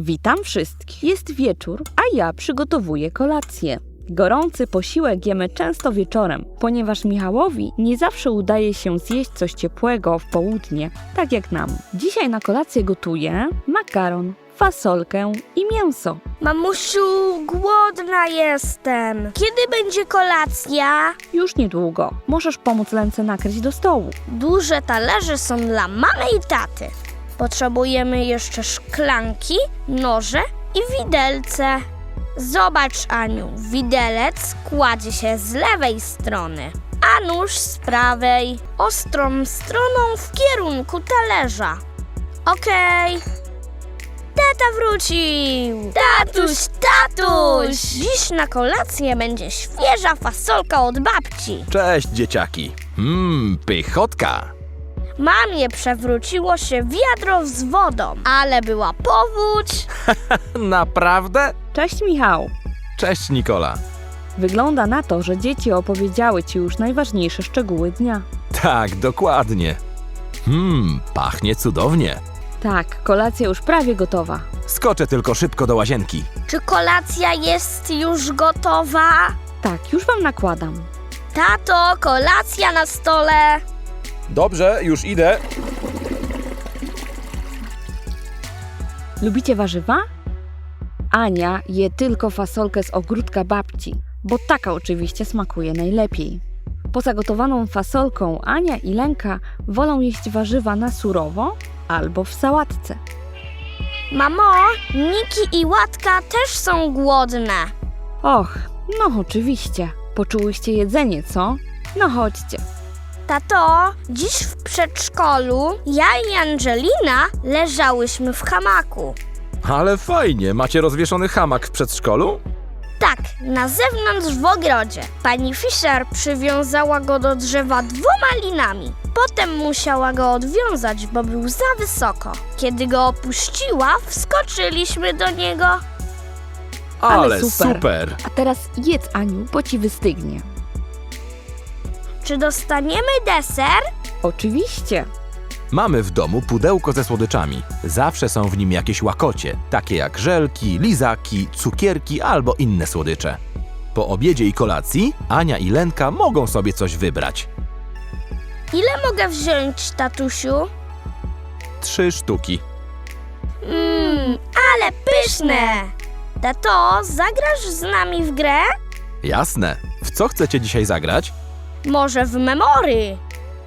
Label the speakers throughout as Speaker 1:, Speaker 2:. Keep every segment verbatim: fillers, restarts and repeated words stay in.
Speaker 1: Witam wszystkich. Jest wieczór, a ja przygotowuję kolację. Gorący posiłek jemy często wieczorem, ponieważ Michałowi nie zawsze udaje się zjeść coś ciepłego w południe, tak jak nam. Dzisiaj na kolację gotuję makaron, fasolkę i mięso.
Speaker 2: Mamusiu, głodna jestem. Kiedy będzie kolacja?
Speaker 1: Już niedługo. Możesz pomóc Lence nakryć do stołu.
Speaker 2: Duże talerze są dla mamy i taty. Potrzebujemy jeszcze szklanki, noże i widelce. Zobacz, Aniu, widelec kładzie się z lewej strony, a nóż z prawej, ostrą stroną w kierunku talerza. Okej. Tata wrócił! Tatuś, tatuś! Dziś na kolację będzie świeża fasolka od babci.
Speaker 3: Cześć, dzieciaki. Mmm, pychotka.
Speaker 2: Mamie przewróciło się wiadro z wodą, ale była powódź.
Speaker 3: Naprawdę?
Speaker 1: Cześć, Michał.
Speaker 3: Cześć, Nikola.
Speaker 1: Wygląda na to, że dzieci opowiedziały ci już najważniejsze szczegóły dnia.
Speaker 3: Tak, dokładnie. Mmm, pachnie cudownie.
Speaker 1: Tak, kolacja już prawie gotowa.
Speaker 3: Skoczę tylko szybko do łazienki.
Speaker 2: Czy kolacja jest już gotowa?
Speaker 1: Tak, już wam nakładam.
Speaker 2: Tato, kolacja na stole.
Speaker 3: Dobrze, już idę.
Speaker 1: Lubicie warzywa? Ania je tylko fasolkę z ogródka babci, bo taka oczywiście smakuje najlepiej. Poza gotowaną fasolką Ania i Lenka wolą jeść warzywa na surowo albo w sałatce.
Speaker 2: Mamo, Niki i Łatka też są głodne.
Speaker 1: Och, no oczywiście. Poczułyście jedzenie, co? No chodźcie.
Speaker 2: Tato, dziś w przedszkolu ja i Angelina leżałyśmy w hamaku.
Speaker 3: Ale fajnie, macie rozwieszony hamak w przedszkolu?
Speaker 2: Tak, na zewnątrz w ogrodzie. Pani Fischer przywiązała go do drzewa dwoma linami. Potem musiała go odwiązać, bo był za wysoko. Kiedy go opuściła, wskoczyliśmy do niego.
Speaker 1: Ale
Speaker 3: Ale
Speaker 1: super.
Speaker 3: super.
Speaker 1: A teraz jedz, Aniu, bo ci wystygnie.
Speaker 2: Czy dostaniemy deser?
Speaker 1: Oczywiście.
Speaker 3: Mamy w domu pudełko ze słodyczami. Zawsze są w nim jakieś łakocie, takie jak żelki, lizaki, cukierki albo inne słodycze. Po obiedzie i kolacji Ania i Lenka mogą sobie coś wybrać.
Speaker 2: Ile mogę wziąć, tatusiu?
Speaker 3: Trzy sztuki.
Speaker 2: Mmm, ale pyszne! Tato, zagrasz z nami w grę?
Speaker 3: Jasne. W co chcecie dzisiaj zagrać?
Speaker 2: Może w memory?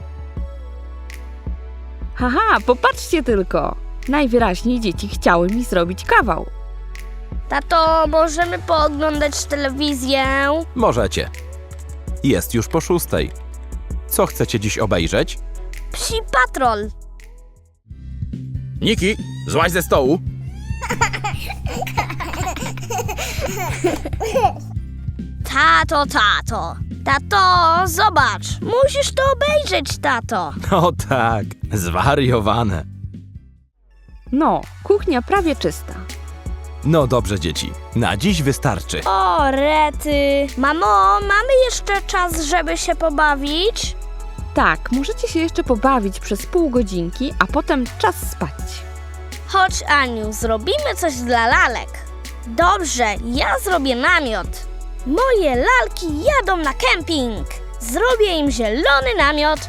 Speaker 1: Haha, popatrzcie tylko. Najwyraźniej dzieci chciały mi zrobić kawał.
Speaker 2: Tato, możemy pooglądać telewizję?
Speaker 3: Możecie. Jest już po szóstej. Co chcecie dziś obejrzeć?
Speaker 2: Psi Patrol.
Speaker 3: Niki, złaź ze stołu.
Speaker 2: Tato, tato. Tato, zobacz. Musisz to obejrzeć, tato.
Speaker 3: No tak, zwariowane.
Speaker 1: No, kuchnia prawie czysta.
Speaker 3: No dobrze, dzieci. Na dziś wystarczy.
Speaker 2: O, rety. Mamo, mamy jeszcze czas, żeby się pobawić?
Speaker 1: Tak, możecie się jeszcze pobawić przez pół godzinki, a potem czas spać.
Speaker 2: Chodź, Aniu, zrobimy coś dla lalek. Dobrze, ja zrobię namiot. Moje lalki jadą na kemping. Zrobię im zielony namiot.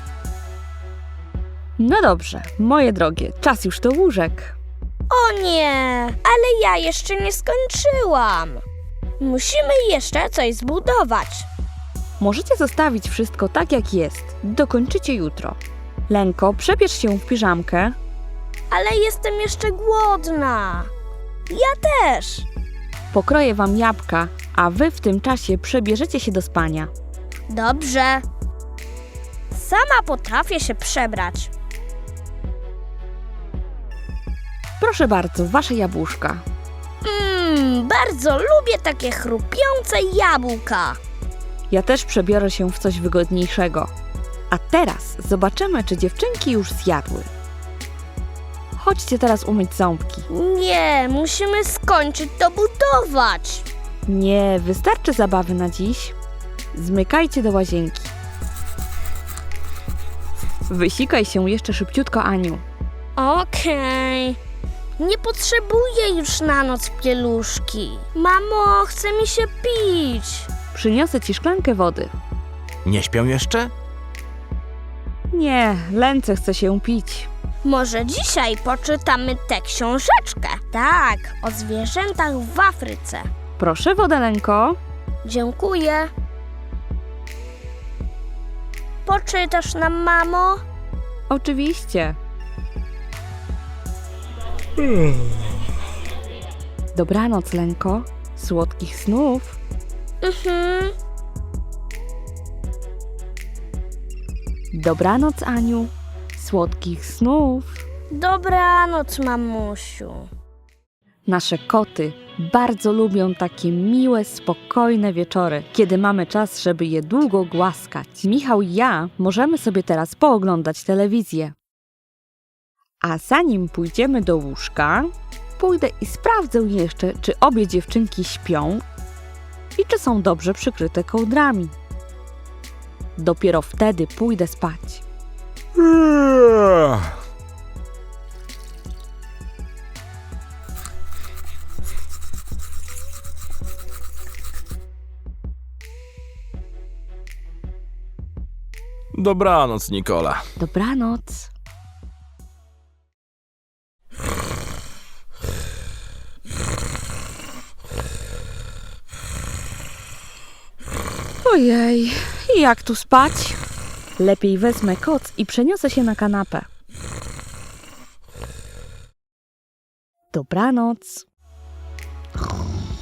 Speaker 1: No dobrze, moje drogie, czas już do łóżek.
Speaker 2: O nie, ale ja jeszcze nie skończyłam. Musimy jeszcze coś zbudować.
Speaker 1: Możecie zostawić wszystko tak jak jest. Dokończycie jutro. Lenko, przebierz się w piżamkę.
Speaker 2: Ale jestem jeszcze głodna. Ja też.
Speaker 1: Pokroję wam jabłka, a wy w tym czasie przebierzecie się do spania.
Speaker 2: Dobrze. Sama potrafię się przebrać.
Speaker 1: Proszę bardzo, wasze jabłuszka.
Speaker 2: Mmm, bardzo lubię takie chrupiące jabłka.
Speaker 1: Ja też przebiorę się w coś wygodniejszego. A teraz zobaczymy, czy dziewczynki już zjadły. Chodźcie teraz umyć ząbki.
Speaker 2: Nie, musimy skończyć to budować.
Speaker 1: Nie, wystarczy zabawy na dziś. Zmykajcie do łazienki. Wysikaj się jeszcze szybciutko, Aniu.
Speaker 2: Okej. Nie potrzebuję już na noc pieluszki. Mamo, chce mi się pić.
Speaker 1: Przyniosę ci szklankę wody.
Speaker 3: Nie śpią jeszcze?
Speaker 1: Nie, Lence chce się pić.
Speaker 2: Może dzisiaj poczytamy tę książeczkę? Tak, o zwierzętach w Afryce.
Speaker 1: Proszę wodę, Lenko.
Speaker 2: Dziękuję. Poczytasz nam, mamo?
Speaker 1: Oczywiście. Dobranoc, Lenko. Słodkich snów.
Speaker 2: Mhm.
Speaker 1: Dobranoc, Aniu. Słodkich snów.
Speaker 2: Dobranoc, mamusiu.
Speaker 1: Nasze koty bardzo lubią takie miłe, spokojne wieczory, kiedy mamy czas, żeby je długo głaskać. Michał i ja możemy sobie teraz pooglądać telewizję. A zanim pójdziemy do łóżka, pójdę i sprawdzę jeszcze, czy obie dziewczynki śpią i czy są dobrze przykryte kołdrami. Dopiero wtedy pójdę spać.
Speaker 3: Dobranoc, Nikola.
Speaker 1: Dobranoc. Ojej, jak tu spać? Lepiej wezmę koc i przeniosę się na kanapę. Dobranoc.